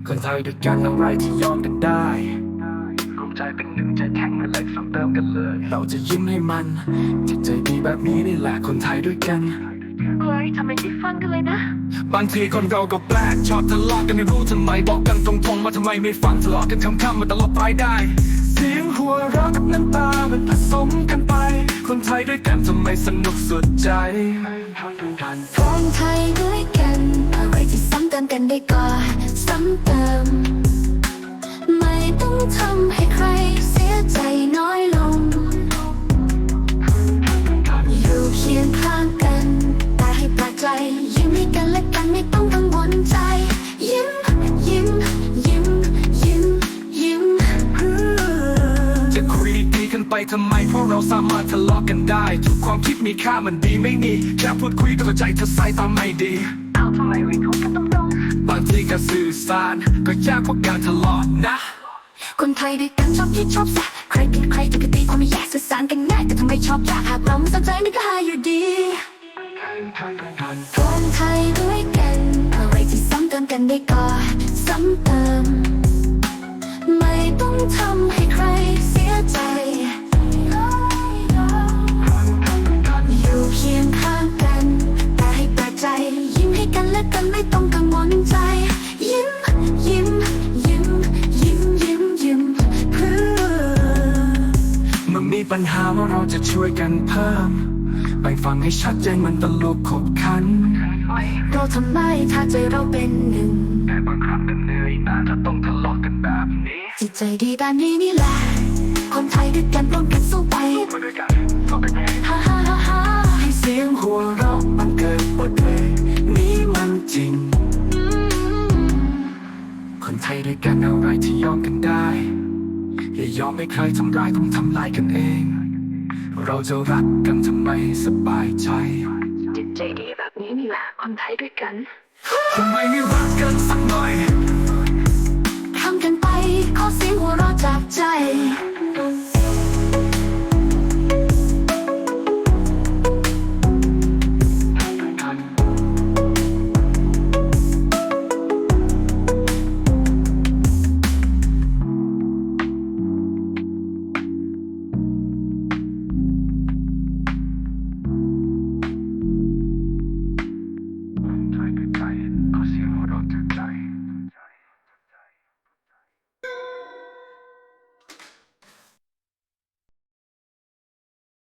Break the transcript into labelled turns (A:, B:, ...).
A: คนไทยด้วยกันอะไรที่ยอมกันได้รวมใจเป็นหนึ่งใจแข็งไม่เลยซ้ำเติมกันเลยเราจะยิ้มให้มันจิตใจดีแบบนี้นี่แหละคนไทยด้วยกัน
B: เฮ้ยทำไมไม่ฟังกันเลยนะ
A: บางทีคนเราก็แปลกชอบทะเลาะกันไม่รู้ทำไมบอกกันตรงๆว่าทำไมไม่ฟังทะเลาะกันคำๆมาตลอดไปได้เสียงหัวเราะกับน้ำตามันผสมกันไปคนไทยด้วยกันทำไมสนุกสุดใจ
B: คนไทยด้วยกันอะไรที่ซ้ำเติมกันได้ก็ซ้ำเติมไม่ต้องทำให้ใครเสียใจน้อยลงอยู่เคียงข้างกันแต่ให้ปลอบใจยิ้มให้กันและกันไม่ต้องกังวลใจยิ้มยิ้มยิ้มยิ้มยิ้ม
A: จะคุยดีกันไปทำไมเพราะเราสามารถทะเลาะกันได้ทุกความคิดมีค่ามันดีไม่มีแค่พูดคุยก็เข้าใจเธอสายตาไม่ดี
B: เอาทำไมไม่คุยกันตรง
A: บางทีการสื่อสารก็ยากกว่าการทะเลาะนะ
B: คนไทยด้วยกันชอบคิดชอบแซะใครเป็นใครจะกติความไม่แยกสื่อสารกันง่ายแต่ทำไมชอบยากหากเราไม่สนใจมันก็หายอยู่ดีคนไทยด้วยกันอะไรที่ซ้ำเติมกันได้ก็ซ้ำเติมไม่ต้องทำให้ใครเสียใจอยู่เคียงข้างกันแต่ให้เปิดใจยิ้มให้กันและกันไม่ต้องกังวลใจยิ้มยิ้มยิ้มยิ้มยิ้มยิ้มเพื่อ
A: เมื่อมีปัญหาว่าเราจะช่วยกันเพิ่มไปฟังให้ชัดเจนมันตลกขบขัน
B: เราทำไมถ้าใจเราเป็นหนึ่ง
A: แต่บางครั้งก็เหนื่อยนะถ้าต้องทะเลาะกันแบบนี้
B: จิตใจดีแบบนี้นี่แหละคนไทยด้วยกันร่วมกันสู้ไป
A: ด้วยกันก็เป็นไง
B: ฮ่าฮ่าฮ่าฮ่า
A: ให้เสียงหัวเราะมันเกิดบทเพลงนี้มันจริงคนไทยด้วยกันอะไรที่ยอมกันได้อย่ายอมให้ใครทำร้ายต้องทำลายกันเองเราจะรักกันทำไมสบายใจ
B: จิตใจดีแบบนี้นี่แหละคนไทยด้วยกัน
A: ทำไมไม่รักกันสักหน่อย
B: ทำกันไปขอเสียงหัวเราะจากใจ